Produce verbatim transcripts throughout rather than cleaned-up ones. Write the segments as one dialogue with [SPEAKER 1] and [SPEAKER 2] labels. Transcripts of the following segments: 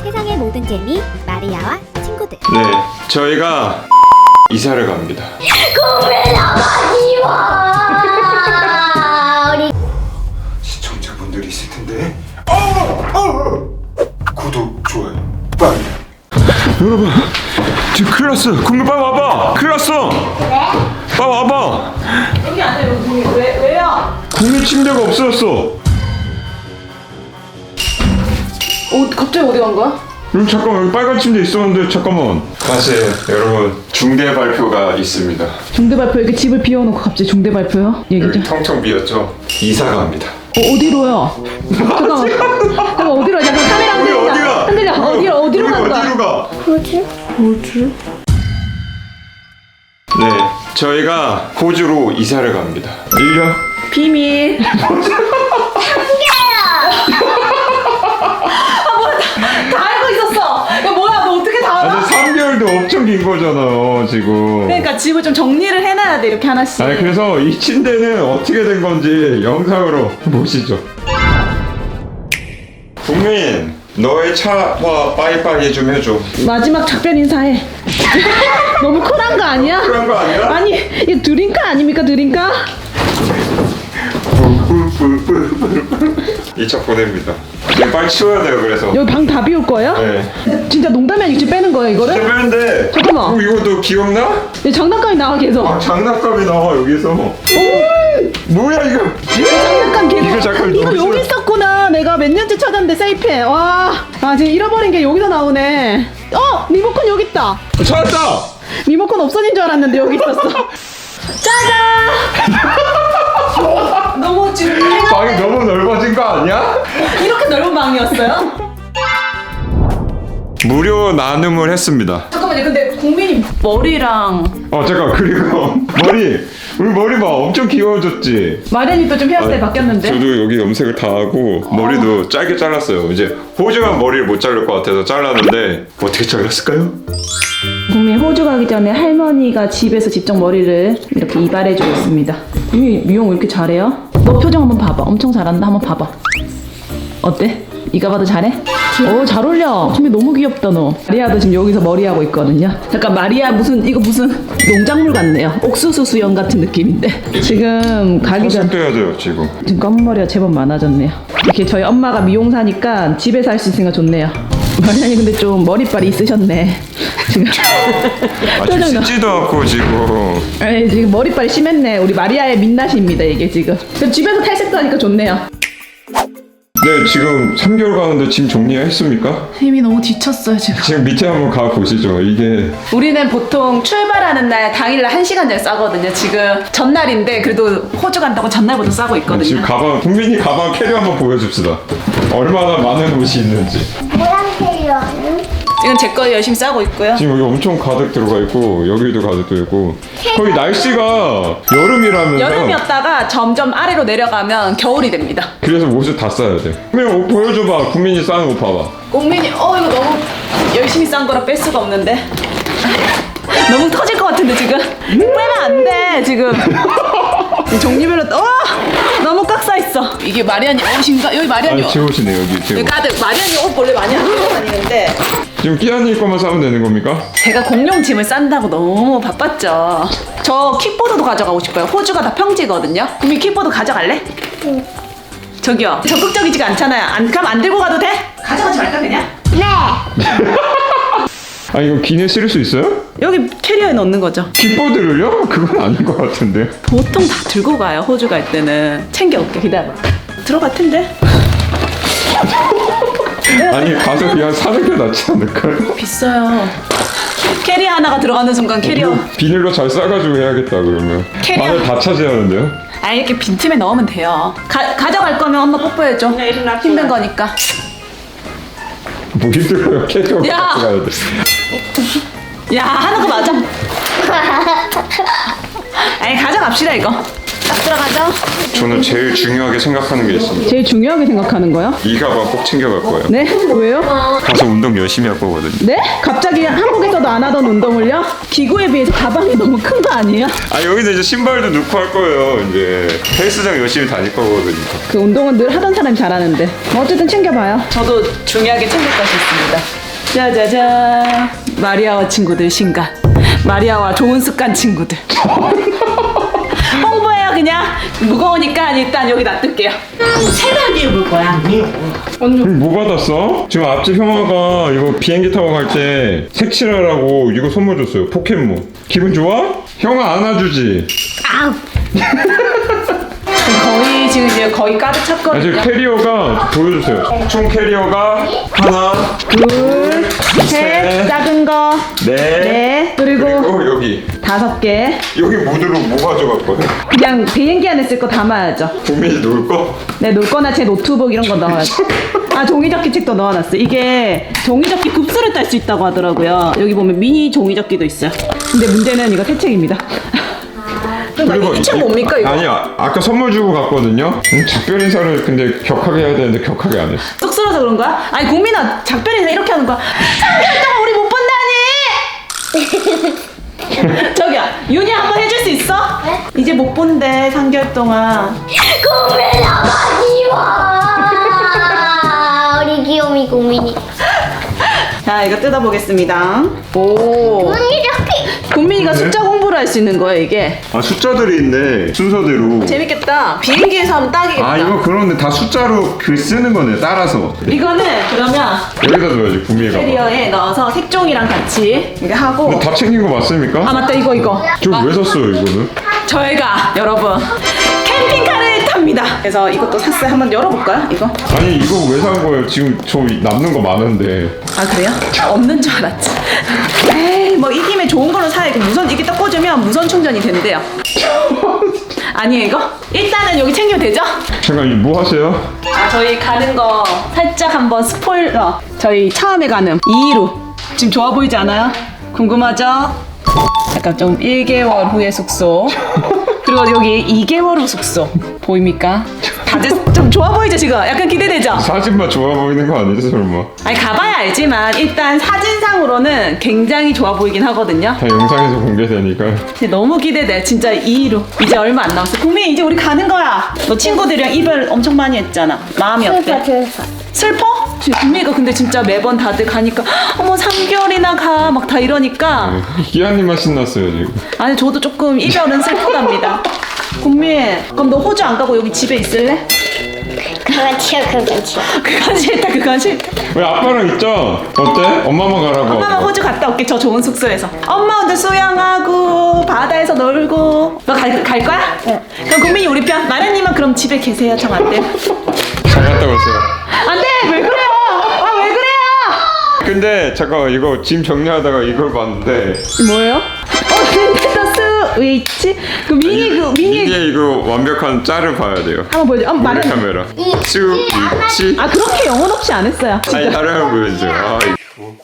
[SPEAKER 1] 세상의 모든 재미 마리아와 친구들.
[SPEAKER 2] 네, 저희가 이사를 갑니다.
[SPEAKER 1] 꿈에나 가지 마. 우리
[SPEAKER 2] 시청자분들이 있을 텐데. 어, 어. 구독, 좋아요, 빨리. 여러분, 지금 큰일 났어. 국민 빨리 와봐. 큰일 났어.
[SPEAKER 1] 그래?
[SPEAKER 2] 빨리 와봐.
[SPEAKER 3] 여기 안에 여기 왜 왜요?
[SPEAKER 2] 국민 침대가 없어졌어.
[SPEAKER 3] 어 갑자기 어디 간 거야?
[SPEAKER 2] 음, 잠깐만, 여기 빨간 침대 있었는데 잠깐만. 다시 여러분, 중대 발표가 있습니다.
[SPEAKER 3] 중대 발표 이렇게 집을 비워놓고 갑자기 중대 발표요? 얘기
[SPEAKER 2] 여기
[SPEAKER 3] 좀.
[SPEAKER 2] 텅텅 비었죠? 이사 갑니다.
[SPEAKER 3] 어, 어디로요? 잠깐만. 잠깐 어디로? 잠깐 카메라
[SPEAKER 2] 우리
[SPEAKER 3] 흔들려.
[SPEAKER 2] 어디가?
[SPEAKER 3] 흔들려. 어디로 어디로
[SPEAKER 2] 우리
[SPEAKER 3] 간 거야?
[SPEAKER 2] 어디로 가?
[SPEAKER 1] 뭐지?
[SPEAKER 3] 뭐지?
[SPEAKER 2] 네, 저희가 호주로 이사를 갑니다. 밀려?
[SPEAKER 3] 비밀. 다 알고 있었어. 야 뭐야? 너 어떻게 다 알아?
[SPEAKER 2] 아니 삼 개월도 엄청 긴 거잖아요 지금.
[SPEAKER 3] 그러니까 집을 좀 정리를 해놔야 돼 이렇게 하나씩.
[SPEAKER 2] 아니 그래서 이 침대는 어떻게 된 건지 영상으로 보시죠. 국민, 너의 차와 빠이빠이 좀 해줘.
[SPEAKER 3] 마지막 작별 인사해. 너무 쿨한 거 아니야?
[SPEAKER 2] 그런 거 아니야?
[SPEAKER 3] 아니 이게 드림카 아닙니까 드림카?
[SPEAKER 2] 이 차 보냅니다. 이거 빨리 치워야 돼요. 그래서.
[SPEAKER 3] 여기 방 다 비울 거예요?
[SPEAKER 2] 네.
[SPEAKER 3] 진짜 농담이 아니고 지금 빼는 거예요 이거를?
[SPEAKER 2] 빼는데.
[SPEAKER 3] 잠깐만.
[SPEAKER 2] 어, 이거 너 기억나?
[SPEAKER 3] 이 장난감이 나와 계속.
[SPEAKER 2] 아, 장난감이 나와 여기서. 뭐야 이거?
[SPEAKER 3] 이거 장난감 계속.
[SPEAKER 2] 이거 잠깐
[SPEAKER 3] 이거
[SPEAKER 2] 너무
[SPEAKER 3] 여기
[SPEAKER 2] 싫어.
[SPEAKER 3] 있었구나. 내가 몇 년째 찾았는데 세이프해. 와. 아 지금 잃어버린 게 여기서 나오네. 어 리모컨 여기 있다.
[SPEAKER 2] 찾았다.
[SPEAKER 3] 리모컨 없어진 줄 알았는데 여기 있었어. 짜잔. 너무 지금
[SPEAKER 2] 방이 너무 넓어진 거 아니야?
[SPEAKER 3] 이렇게 넓은 방이었어요?
[SPEAKER 2] 무료 나눔을 했습니다.
[SPEAKER 3] 잠깐만요. 근데 국민이 머리랑
[SPEAKER 2] 어 잠깐, 그리고 머리, 우리 머리 봐, 엄청 귀여워졌지.
[SPEAKER 3] 마련이 또 좀 헤어스타일 바뀌었는데.
[SPEAKER 2] 저도 여기 염색을 다 하고 머리도 짧게 잘랐어요. 이제 호주만 머리를 못 자를 것 같아서 잘랐는데 어떻게 잘랐을까요?
[SPEAKER 3] 국민 호주 가기 전에 할머니가 집에서 직접 머리를 이렇게 이발해주고 있습니다. 국민 미용 왜 이렇게 잘해요? 너 표정 한번 봐봐. 엄청 잘한다. 한번 봐봐. 어때? 이가 봐도 잘해? 오, 잘 어울려. 국민 너무 귀엽다 너. 마리아도 지금 여기서 머리하고 있거든요. 잠깐 마리아 무슨 이거 무슨 농작물 같네요. 옥수수 수염 같은 느낌인데. 지금 가기 전
[SPEAKER 2] 염색도 해야 돼요 지금.
[SPEAKER 3] 지금 검은 머리가 제법 많아졌네요. 이렇게 저희 엄마가 미용사니까 집에서 할 수 있으니까 좋네요. 마리아님 근데 좀 머리빨이 있으셨네. 지금
[SPEAKER 2] 아직
[SPEAKER 3] 표정 나-
[SPEAKER 2] 씻지도 않고 지금.
[SPEAKER 3] 에이, 지금 머리빨이 심했네. 우리 마리아의 민낯입니다 이게 지금. 그럼 집에서 탈색도 하니까 좋네요.
[SPEAKER 2] 네, 지금 삼 개월 가는데 짐 정리했습니까?
[SPEAKER 3] 힘이 너무 지쳤어요 지금.
[SPEAKER 2] 지금 밑에 한번 가 보시죠. 이게
[SPEAKER 3] 우리는 보통 출발하는 날 당일날 한 시간 전에 싸거든요. 지금 전날인데 그래도 호주 간다고 전날부터 싸고
[SPEAKER 2] 지금
[SPEAKER 3] 있거든요.
[SPEAKER 2] 가방, 국민이 가방 캐리어 한번 보여줍시다. 얼마나 많은 옷이 있는지.
[SPEAKER 1] 모양 캐리어는?
[SPEAKER 3] 지금 제 거 열심히 싸고 있고요.
[SPEAKER 2] 지금 여기 엄청 가득 들어가 있고 여기도 가득 들어 있고 거기 날씨가 여름이라면서
[SPEAKER 3] 여름이었다가 점점 아래로 내려가면 겨울이 됩니다.
[SPEAKER 2] 그래서 옷을 다 싸야 돼. 그냥 옷 보여줘봐. 국민이 싸는 옷 봐봐.
[SPEAKER 3] 국민이 어 이거 너무 열심히 싼 거라 뺄 수가 없는데 너무 터질 것 같은데 지금 빼면 안 돼 지금. 이 종류별로 어 너무 꽉 차 있어. 이게 마리아님 옷인가? 여기 마리아님
[SPEAKER 2] 아니 제 옷이네 여기 제
[SPEAKER 3] 여기
[SPEAKER 2] 옷.
[SPEAKER 3] 가득. 마리아님 옷 원래 많이 하고 다니는데
[SPEAKER 2] 지금 끼안이 거만 싸면 되는 겁니까?
[SPEAKER 3] 제가 공룡 짐을 싼다고 너무 바빴죠. 저 킥보드도 가져가고 싶어요. 호주가 다 평지거든요. 국민 킥보드 가져갈래?
[SPEAKER 1] 응.
[SPEAKER 3] 저기요 적극적이지가 않잖아요. 안 그럼 안 들고 가도 돼? 가져가지 말까 그냥?
[SPEAKER 1] 네.
[SPEAKER 2] 아 이거 기내 실을 수 있어요?
[SPEAKER 3] 여기 캐리어에 넣는 거죠.
[SPEAKER 2] 킥보드를요? 그건 아닌 것 같은데.
[SPEAKER 3] 보통 다 들고 가요. 호주 갈 때는 챙겨올게. 기다려. 들어갈 텐데.
[SPEAKER 2] 아니 가서 그냥 사는 게 낫지 않을까요?
[SPEAKER 3] 비싸요. 캐리어 하나가 들어가는 순간 캐리어.
[SPEAKER 2] 이거 비닐로 잘 싸가지고 해야겠다 그러면.
[SPEAKER 3] 캐리어.
[SPEAKER 2] 안에 다 차지하는데요?
[SPEAKER 3] 아 이렇게 빈틈에 넣으면 돼요. 가, 가져갈 거면 엄마 뽀뽀해줘. 힘든 거니까.
[SPEAKER 2] 뭐 힘들어요. 캐리어
[SPEAKER 3] 야!
[SPEAKER 2] 가져가야 돼.
[SPEAKER 3] 야 하는 거 맞아. 아니 가져갑시다 이거. 딱 들어가죠?
[SPEAKER 2] 저는 제일 중요하게 생각하는 게 있습니다.
[SPEAKER 3] 제일 중요하게 생각하는 거요?
[SPEAKER 2] 이 가방 꼭 챙겨갈 거예요.
[SPEAKER 3] 네? 왜요?
[SPEAKER 2] 가서 운동 열심히 할 거거든요.
[SPEAKER 3] 네? 갑자기 한국에서도 안 하던 운동을요? 기구에 비해서 가방이 너무 큰 거 아니에요?
[SPEAKER 2] 아 여기는 이제 신발도 넣고 할 거예요. 이제 헬스장 열심히 다닐 거거든요.
[SPEAKER 3] 그 운동은 늘 하던 사람이 잘하는데 뭐 어쨌든 챙겨봐요. 저도 중요하게 챙길 것이 있습니다. 짜자잔, 마리아와 친구들 신간, 마리아와 좋은 습관 친구들. 홍보해요. 그냥 무거우니까 일단 여기 놔둘게요. 세 달 뒤에 볼 거야.
[SPEAKER 2] 뭐 받았어? 지금 앞집 형아가 이거 비행기 타고 갈 때 색칠하라고 이거 선물 줬어요. 포켓몬. 기분 좋아? 형아 안아주지?
[SPEAKER 3] 거의 지금 이제 거의 가득
[SPEAKER 2] 아, 지금
[SPEAKER 3] 찼거든요.
[SPEAKER 2] 캐리어가 보여주세요. 총 캐리어가 하나,
[SPEAKER 3] 둘, 셋,
[SPEAKER 2] 셋,
[SPEAKER 3] 작은 거,
[SPEAKER 2] 넷,
[SPEAKER 3] 네, 그리고
[SPEAKER 2] 그리고 여기
[SPEAKER 3] 다섯 개.
[SPEAKER 2] 여기 모드로 뭐 가져갔거든?
[SPEAKER 3] 그냥 비행기 안에 쓸 거 담아야죠.
[SPEAKER 2] 국민이 놀 거?
[SPEAKER 3] 네, 놀 거나 제 노트북 이런 거 넣어야죠. 아, 종이접기 책도 넣어놨어요. 이게 종이접기 급수를 딸 수 있다고 하더라고요. 여기 보면 미니 종이접기도 있어요. 근데 문제는 이거 새 책입니다. 그리고 이 책 뭡니까 이거?
[SPEAKER 2] 아니야, 아까 선물 주고 갔거든요. 음, 작별 인사를 근데 격하게 해야 되는데 격하게 안 했어.
[SPEAKER 3] 쑥스러워서 그런 거야? 아니 국민아, 작별 인사 이렇게 하는 거야. 삼 개월 동안 우리 못 본다니. 저기요, 윤희 한번 해줄 수 있어?
[SPEAKER 1] 네?
[SPEAKER 3] 이제 못 본대 삼 개월 동안.
[SPEAKER 1] 고멜아 마지막. 우리 귀요미 국민이.
[SPEAKER 3] 자, 이거 뜯어보겠습니다. 오.
[SPEAKER 1] 언니 저기.
[SPEAKER 3] 국민이가
[SPEAKER 2] 네?
[SPEAKER 3] 숫자 공부를 할 수 있는 거예요, 이게.
[SPEAKER 2] 아 숫자들이 있네 순서대로.
[SPEAKER 3] 재밌겠다. 비행기에서 하면 딱이겠다.
[SPEAKER 2] 아 이거 그런데 다 숫자로 글 쓰는 거네 따라서.
[SPEAKER 3] 이거는 그러면
[SPEAKER 2] 여기다 둬야지 구미가.
[SPEAKER 3] 캐리어에 넣어서 색종이랑 같이 이렇게 하고.
[SPEAKER 2] 근데 다 챙긴 거 맞습니까?
[SPEAKER 3] 아, 맞다, 이거 이거.
[SPEAKER 2] 저 왜 샀어요 이거는?
[SPEAKER 3] 저희가 여러분 캠핑카를 탑니다. 그래서 이것도 샀어요. 한번 열어볼까요? 이거?
[SPEAKER 2] 아니 이거 왜 산 거예요? 지금 저 남는 거 많은데.
[SPEAKER 3] 아, 그래요? 없는 줄 알았지. 에이, 뭐 이 김에 좋은 걸로 사야지. 무선 이게 딱 꽂으면 무선 충전이 된대요. 아니에요 이거? 일단은 여기 챙기면 되죠?
[SPEAKER 2] 잠깐 이거 뭐 하세요?
[SPEAKER 3] 아, 저희 가는 거 살짝 한번 스포일러. 저희 처음에 가는 이일우 지금 좋아 보이지 않아요? 궁금하죠? 약간 좀 일 개월 후의 숙소. 그리고 여기 이 개월 후 숙소 보입니까? 다들 좀 좋아 보이죠 지금? 약간 기대되죠?
[SPEAKER 2] 사진만 좋아 보이는 거 아니지 설마?
[SPEAKER 3] 아니 가봐야 알지만 일단 사진상으로는 굉장히 좋아 보이긴 하거든요.
[SPEAKER 2] 다 영상에서 공개되니까.
[SPEAKER 3] 근데 너무 기대돼. 진짜 이일우 이제 얼마 안 남았어. 국민 이제 우리 가는 거야. 너 친구들이랑 이별 엄청 많이 했잖아. 마음이 어때?
[SPEAKER 1] 슬퍼.
[SPEAKER 3] 슬퍼? 지금 국민이가 근데 진짜 매번 다들 가니까 어머 삼 개월이나 가 막 다 이러니까
[SPEAKER 2] 기아님만 신났어요 지금.
[SPEAKER 3] 아니 저도 조금 이별은 슬프답니다. 국민 그럼 너 호주 안 가고 여기 집에 있을래?
[SPEAKER 1] 그거 치워 그거 치워.
[SPEAKER 3] 그건 싫다 그건 싫다.
[SPEAKER 2] 왜 아빠랑 있죠? 어때? 엄마만 가라고.
[SPEAKER 3] 엄마만 호주 갔다 올게. 저 좋은 숙소에서. 엄마 혼자 수영하고 바다에서 놀고. 너 갈 갈 거야?
[SPEAKER 1] 응.
[SPEAKER 3] 그럼 국민이 우리 편. 마련님은 그럼 집에 계세요. 정 안 돼.
[SPEAKER 2] 잘 갔다 오세요.
[SPEAKER 3] 안 돼. 왜 그래요? 아 왜 그래요?
[SPEAKER 2] 근데 잠깐 이거 짐 정리하다가 이걸 봤는데
[SPEAKER 3] 뭐예요? 어 닌텐도 스위치. 그 미니 그 미니.
[SPEAKER 2] 이게 이거 완벽한 짤을 봐야 돼요.
[SPEAKER 3] 한번 보여줘. 한번
[SPEAKER 2] 모래
[SPEAKER 3] 말해.
[SPEAKER 2] 카메라.
[SPEAKER 1] 이-
[SPEAKER 2] 스위치.
[SPEAKER 3] 아 그렇게 영혼 없이 안 했어요.
[SPEAKER 2] 아니 다른 거 보여줘. 아, 이거.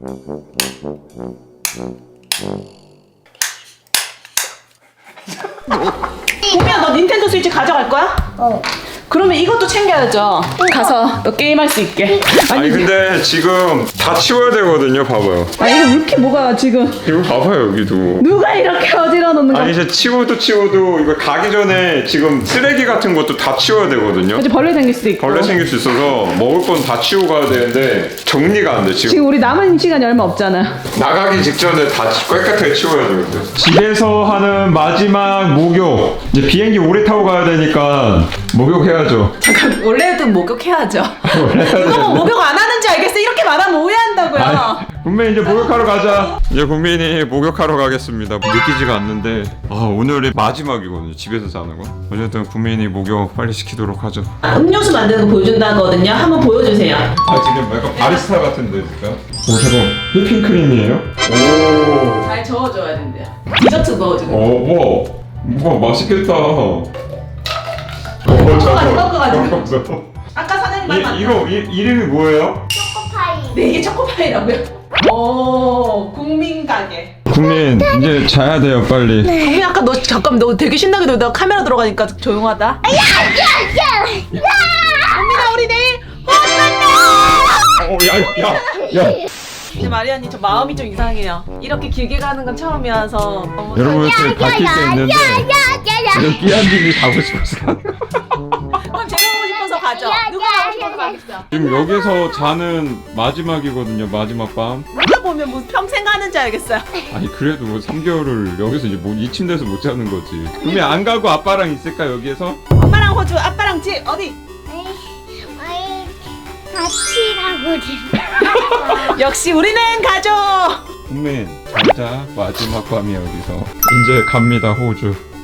[SPEAKER 3] 국민아 너 닌텐도 스위치 가져갈 거야?
[SPEAKER 1] 어.
[SPEAKER 3] 그러면 이것도 챙겨야죠. 가서 너 게임할 수 있게.
[SPEAKER 2] 아니 근데 지금 다 치워야 되거든요. 봐봐요.
[SPEAKER 3] 아 이거 왜 이렇게 뭐가 지금
[SPEAKER 2] 이거 봐봐요 여기도.
[SPEAKER 3] 누가 이렇게 어지러 놓는 거야?
[SPEAKER 2] 아니 이제 치워도 치워도 이거 가기 전에 지금 쓰레기 같은 것도 다 치워야 되거든요.
[SPEAKER 3] 이제 벌레 생길 수도 있고.
[SPEAKER 2] 벌레 생길 수 있어서 먹을 건 다 치우고 가야 되는데 정리가 안 돼 지금.
[SPEAKER 3] 지금 우리 남은 시간이 얼마 없잖아.
[SPEAKER 2] 나가기 직전에 다 깨끗하게 치워야 되거든. 집에서 하는 마지막 목욕. 이제 비행기 오래 타고 가야 되니까 목욕해야죠.
[SPEAKER 3] 잠깐 원래도 목욕해야죠.
[SPEAKER 2] 원래 해야
[SPEAKER 3] 이거 뭐
[SPEAKER 2] 되는데.
[SPEAKER 3] 목욕 안 하는지 알겠어. 이렇게 말하면 오해한다고요.
[SPEAKER 2] 아니, 국민 이제 목욕하러 가자. 이제 국민이 목욕하러 가겠습니다. 느끼지가 않는데 아 오늘이 마지막이거든요. 집에서 자는 거. 어쨌든 국민이 목욕 빨리 시키도록 하죠.
[SPEAKER 3] 아, 음료수 만드는 거 보여준다거든요. 한번 보여주세요.
[SPEAKER 2] 아 지금 약간 바리스타 같은데 진짜. 오 잠깐 휘핑크림이에요? 오.
[SPEAKER 3] 잘 저어줘야 된대요. 디저트 넣어주는 거.
[SPEAKER 2] 오 와. 와 맛있겠다. 오
[SPEAKER 3] 섞어 가지고.
[SPEAKER 2] 섞어서.
[SPEAKER 3] 아까 사장님 말
[SPEAKER 2] 이,
[SPEAKER 3] 맞다.
[SPEAKER 2] 이거 이, 이름이 뭐예요?
[SPEAKER 1] 초코파이.
[SPEAKER 3] 네, 이게 초코파이라고요? 오, 국민 가게.
[SPEAKER 2] 국민 이제 자야 돼요 빨리.
[SPEAKER 3] 국민 아까 너 잠깐 너 되게 신나게 놀다가 카메라 들어가니까 조용하다. 국민아 우리 내일
[SPEAKER 2] 어, 야, 야, 야.
[SPEAKER 3] 근데 마리아님 저 마음이 좀 이상해요. 이렇게 길게 가는 건 처음이어서 너무
[SPEAKER 2] 여러분 저희 바뀔 수 있는데 이거 끼안님이 가고 싶어서 가는 거.
[SPEAKER 3] 그럼 제가 가고 싶어서 가죠. 누가 가고 싶어서 가겠어요.
[SPEAKER 2] 지금 여기서 자는 마지막이거든요. 마지막 밤.
[SPEAKER 3] 누가 보면 뭐 평생 가는 줄 알겠어요.
[SPEAKER 2] 아니 그래도 뭐 삼 개월을 여기서 이제 뭐 이 침대에서 못 자는 거지. 그러면 안 가고 아빠랑 있을까 여기에서?
[SPEAKER 3] 엄마랑 호주, 아빠랑 집 어디?
[SPEAKER 1] 같이 가고 싶어.
[SPEAKER 3] 역시 우리는 가족.
[SPEAKER 2] 국민 잘자 마지막 밤이 여기서 이제 갑니다 호주.